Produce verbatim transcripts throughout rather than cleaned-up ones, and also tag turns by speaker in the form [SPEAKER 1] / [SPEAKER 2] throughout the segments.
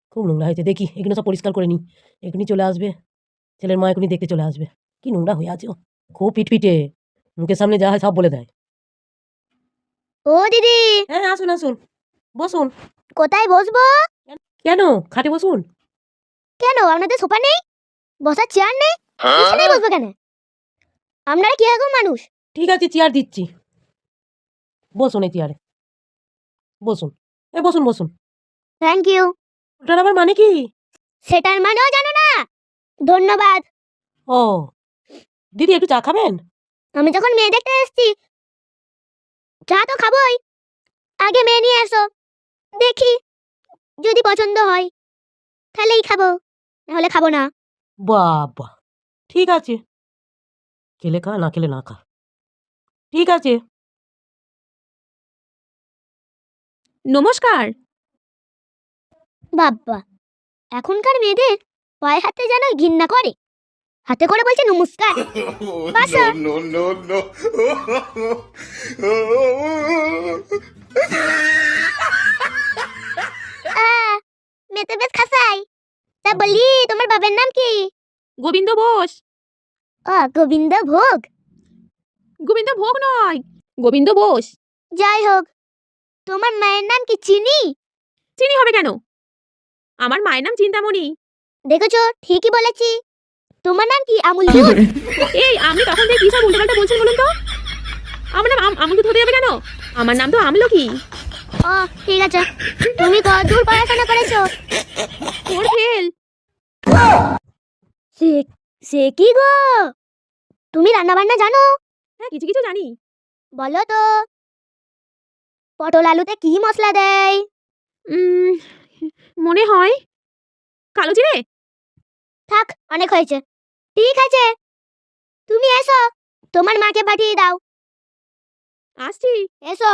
[SPEAKER 1] খুব নোংরা হয়েছে, দেখি এগুলো সব পরিষ্কার করে নিই। এখনই চলে আসবে, ছেলের মা এখনই দেখতে চলে আসবে। কি নোংরা হয়ে আছে ও, খুব পিটপিটে, মুখের সামনে যা হয় সব বলে দেয়।
[SPEAKER 2] ও দিদি।
[SPEAKER 1] হ্যাঁ আসুন আসুন, বসুন।
[SPEAKER 2] কোথায় বসবো?
[SPEAKER 1] কেন, খাটে বসুন।
[SPEAKER 2] কেন আপনাদের সোফা নেই, বসার চেয়ার নেই? বিছানায় বসবো কেন? আপনারা কি রকম মানুষ?
[SPEAKER 1] ঠিক আছে চেয়ার দিচ্ছি, বসুন এই চেয়ারে, বসুন। এ বসুন বসুন।
[SPEAKER 2] Thank you.
[SPEAKER 1] ওটার আবার মানে কি?
[SPEAKER 2] সেটার মানেও জানো না? ধন্যবাদ।
[SPEAKER 1] ও দিদি একটু চা খাবেন?
[SPEAKER 2] আমি যখন মেয়ে দেখতে এসেছি, চা তো খাবোই। আগে মেয়ে নিয়ে এসো, দেখি যদি পছন্দ হয় তাহলেই খাবো, নাহলে খাবো না।
[SPEAKER 1] বাবা, ঠিক আছে, খেলে খা, না খেলে না খা, ঠিক আছে।
[SPEAKER 3] নমস্কার।
[SPEAKER 2] বাবা, এখনকার মেয়েদের পায়ে হাতে যেন ঘৃণা করে, হাতে করে বলছে নমস্কার। বাসা।
[SPEAKER 4] no, no, no, no.
[SPEAKER 2] আহ, মেয়ে তো বেশ খাসাই। তা বলি তোমার বাবার নাম কি?
[SPEAKER 3] গোবিন্দ বোস।
[SPEAKER 2] ও গোবিন্দ ভোগ।
[SPEAKER 3] গোবিন্দ ভোগ নয়, গোবিন্দ বোস।
[SPEAKER 2] যাই হোক, তোমার মায়ের নাম কি চিনি?
[SPEAKER 3] চিনি হবে কেন, আমার মায়ের নাম চিন্তামণি।
[SPEAKER 2] দেখেছো, ঠিকই বলেছি। তোমার নাম কি আমুল দুধ?
[SPEAKER 3] এই আপনি তখন থেকে কি সব উল্টোপাল্টা বলছেন বলুন তো? আমার নাম আম- আমুল দুধ হতে যাবে কেন? আমার নাম তো আমলকি।
[SPEAKER 2] ও ঠিক আছে, তুমি কত দূর পড়াশোনা করেছো?
[SPEAKER 3] Four fail.
[SPEAKER 2] সে সে কি গো, তুমি রান্না বান্না জানো?
[SPEAKER 3] হ্যাঁ কিছু কিছু জানি।
[SPEAKER 2] বলো তো, পটল আলুতে কি মশলা দেয়?
[SPEAKER 3] উম, মনে হয় কালো জিরে।
[SPEAKER 2] থাক, অনেক হয়েছে। ঠিক আছে, তুমি এসো, তোমার মাকে পাঠিয়ে দাও।
[SPEAKER 3] আসছি।
[SPEAKER 2] এসো।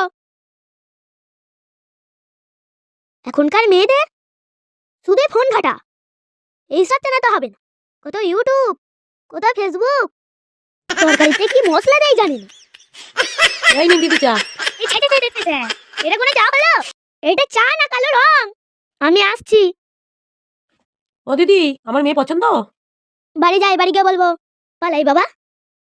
[SPEAKER 2] এখনকার মেয়েদের শুধু ফোন ঘাটা, এইসব চেনাতে হবে না। কত ইউটিউব, কত ফেসবুক, তরকারিতে কি মশলা দেয় জানি না।
[SPEAKER 1] এই নিন দিদি চা।
[SPEAKER 2] এই ছেটে ছেটে ছেটে, এটা কোনো চা হলো? এটা চা না কালো রং। আমি আসছি।
[SPEAKER 1] ও দিদি, আমার মেয়ে পছন্দ?
[SPEAKER 2] বাড়ি যাই, বাড়ি গিয়ে বলবো। পালাই বাবা।